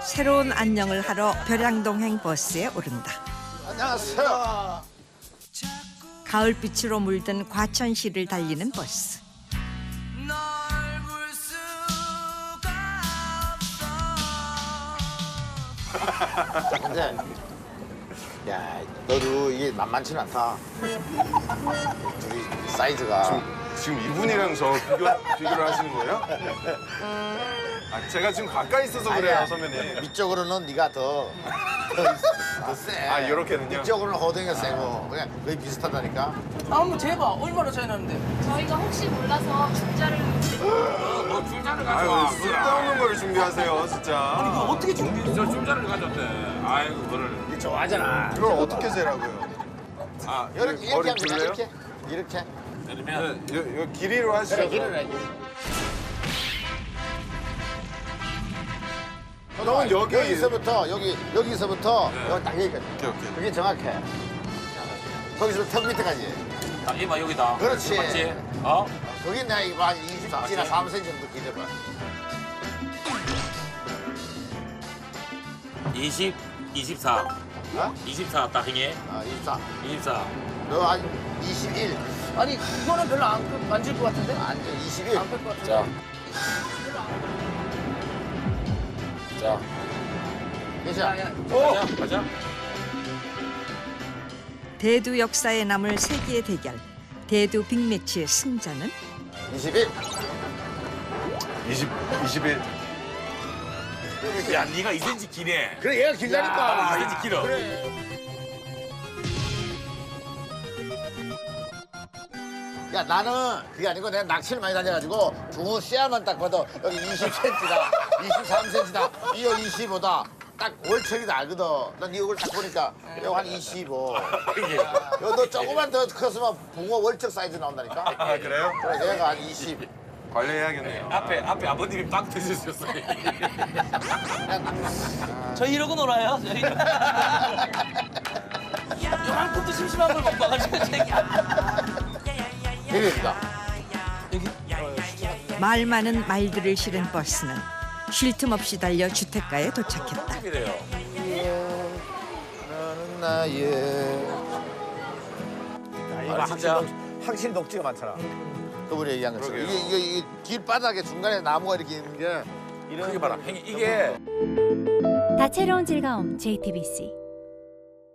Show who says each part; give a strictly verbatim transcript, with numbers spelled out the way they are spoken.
Speaker 1: 새로운 안녕을 하러 벼량동행 버스에 오른다.
Speaker 2: 안녕하세요.
Speaker 1: 가을빛으로 물든 과천시를 달리는 버스.
Speaker 2: 근데 야, 너도 이게 만만치는 않다. 둘이 사이즈가.
Speaker 3: 지금 이분이랑 저 비교, 비교를 하시는 거예요? 아, 제가 지금 가까이 있어서 그래요,
Speaker 2: 아니야.
Speaker 3: 선배님.
Speaker 2: 위쪽으로는 네가 더, 더, 더 세.
Speaker 3: 아, 요렇게는요?
Speaker 2: 위쪽으로는 호동이가 세고 그냥 거의 비슷하다니까.
Speaker 4: 아, 한번 재봐. 얼마나 차이 나는데?
Speaker 5: 저희가 혹시 몰라서 줄자를
Speaker 6: 뭐 줄자를
Speaker 3: 아유,
Speaker 6: 가져와.
Speaker 3: 쓸데없는 걸 준비하세요, 진짜.
Speaker 4: 아니, 이거 어떻게 준비해?
Speaker 6: 저 줄자를 가져왔대. 아이고, 그거를.
Speaker 2: 네 좋아하잖아.
Speaker 3: 그걸 어떻게 재라고요?
Speaker 6: 아,
Speaker 2: 이렇게, 이렇게
Speaker 3: 머리
Speaker 2: 하면 되냐,
Speaker 3: 줄래요?
Speaker 2: 이렇게? 이렇게?
Speaker 6: 그러면
Speaker 3: 네, 요, 요 길이로 하시죠.
Speaker 2: 그래, 길을 해야지.
Speaker 3: 형은 여기-
Speaker 2: 여기서부터, 여기, 여기서부터, 여기 딱 여기까지.
Speaker 3: 오케이, 오케이.
Speaker 2: 그게 정확해. 거기서 턱 밑에까지.
Speaker 6: 딱 이봐, 여기다.
Speaker 2: 그렇지.
Speaker 6: 맞지? 어?
Speaker 2: 거기 내가 이거 한 이십삼이나 삼 센티미터 정도 길어봐.
Speaker 6: 이십, 이십사.
Speaker 2: 어?
Speaker 6: 이십사 딱 행해.
Speaker 2: 아, 이십삼.
Speaker 6: 이십사.
Speaker 2: 너 한 이십일.
Speaker 4: 아니, 이거는 별로 안 만질 것 같은데?
Speaker 2: 안 돼, 이십일.
Speaker 4: 안 뺄 것 같은데?
Speaker 6: 자. 자.
Speaker 2: 괜찮아.
Speaker 4: 야, 야.
Speaker 6: 가자, 가자.
Speaker 1: 대두 역사에 남을 세기의 대결. 대두 빅매치의 승자는
Speaker 2: 이십일.
Speaker 3: 이십, 이십일.
Speaker 6: 야, 네가 이 센치 기네.
Speaker 2: 그래, 얘가 길다니까.
Speaker 6: 이 센치 길어.
Speaker 2: 야, 나는 그게 아니고 내가 낚시를 많이 다녀가지고 붕어 씨알만 딱 봐도 여기 이십 센티미터다, 이십삼 센티미터다, 이거 이십오다. 딱 월척이다 알거든. 난 이걸 딱 보니까 이거 한 이십오. 야, 너 조금만 더 컸으면 붕어 월척 사이즈 나온다니까.
Speaker 3: 아, 그래요?
Speaker 2: 그래, 얘가 한 이십.
Speaker 3: 관리해야겠네요.
Speaker 6: 앞에, 앞에 아버님이 빵 터지셨어요.
Speaker 4: 저희 이러고 놀아요, 저희. 요만큼도 심심한 걸 못 봐가지고, 제가.
Speaker 2: 대리입니다.
Speaker 1: 말 많은 말들을 실은 버스는 쉴 틈 없이 달려 주택가에 도착했다.
Speaker 6: 이래요.
Speaker 2: 나는 나의.
Speaker 6: 아, 진짜.
Speaker 2: 확실히 녹지가 많잖아. 그분이 얘기한 것처럼.
Speaker 3: 그러게요.
Speaker 2: 이게, 이게, 이게 길바닥에 중간에 나무가 이렇게 있는 게 이런
Speaker 6: 크게 봐라. 행이 이게.
Speaker 7: 다채로운 즐거움 제이티비씨